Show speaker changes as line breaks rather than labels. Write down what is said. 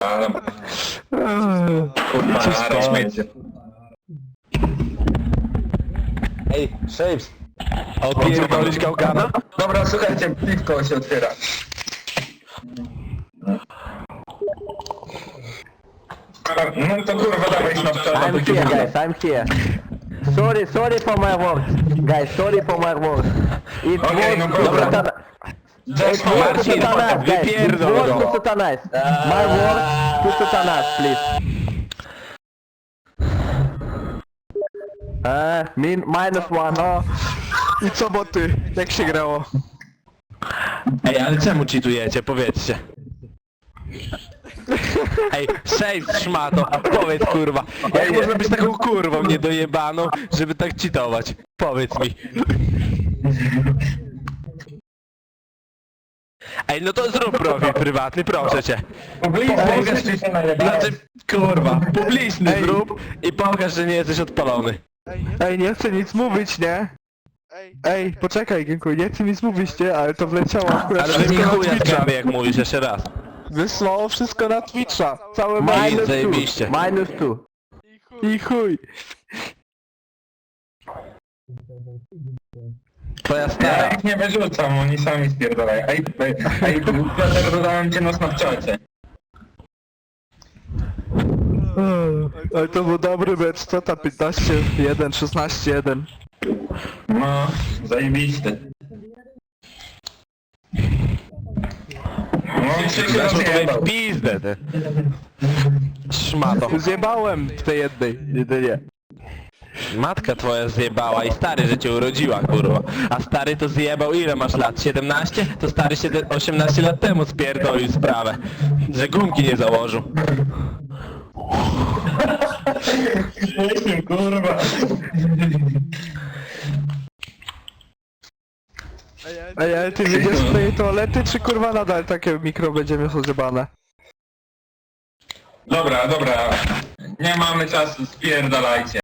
Spierdalam. Kurwa, na śmiecie.
Ej, Shapes!
Odpierdolić gałgana?
Dobra, słuchajcie, piwko się otwiera. No to kurwa dawaj Snapchata,
I'm here, guys, I'm here. Sorry for my words. Guys, sorry for my words. It
Okej,
was
no dobra.
satana...
Just
Marcin,
Satanas, guys. It
wypierdol
was
go.
to Satanas. My words to Satanas, please. -1.
O. I co boty? Jak się grało? Ej, ale czemu cheatujecie? Powiedzcie. Ej, Shapes, szmato, powiedz kurwa, jak można być taką kurwą niedojebaną, żeby tak cheatować? Powiedz mi. Ej, no to zrób profil prywatny, proszę cię.
Pokaż, czy się najebałeś.
Znaczy, kurwa, publiczny zrób i pokaż, że nie jesteś odpalony.
Ej, nie chcę nic mówić, nie? Ej, poczekaj, Gienku, nie chcę nic mówić, nie? Ale to wleciało akurat
Ale wy mi
wszystko na
chuja
Twitcha.
sprawy, jak mówisz, jeszcze raz.
Wysłało wszystko na Twitcha. Całe
I zajebiście.
-2.
I chuj.
Twoja
Ja
stara.
ich nie wyrzucam, oni sami spierdalają. Ej, Piotr, dodałem cię na Snapchacie.
Ale to był dobry mecz, co tam 15-1, 16-1.
No, zajebisty. No, trzeci raz
Zresztą tutaj
jebał.
w pizdę, ty. Szmato.
Zjebałem w tej jednej, jedynie.
Matka twoja zjebała i stary, że cię urodziła, kurwa. A stary to zjebał, ile masz lat? 17? To stary 18 lat temu spierdolił sprawę. Że gumki nie założył.
Kurwa.
Ej, ale ty wyjdziesz z tej toalety, czy kurwa nadal takie mikro będzie miał zjebane?
Dobra, nie mamy czasu, spierdalajcie.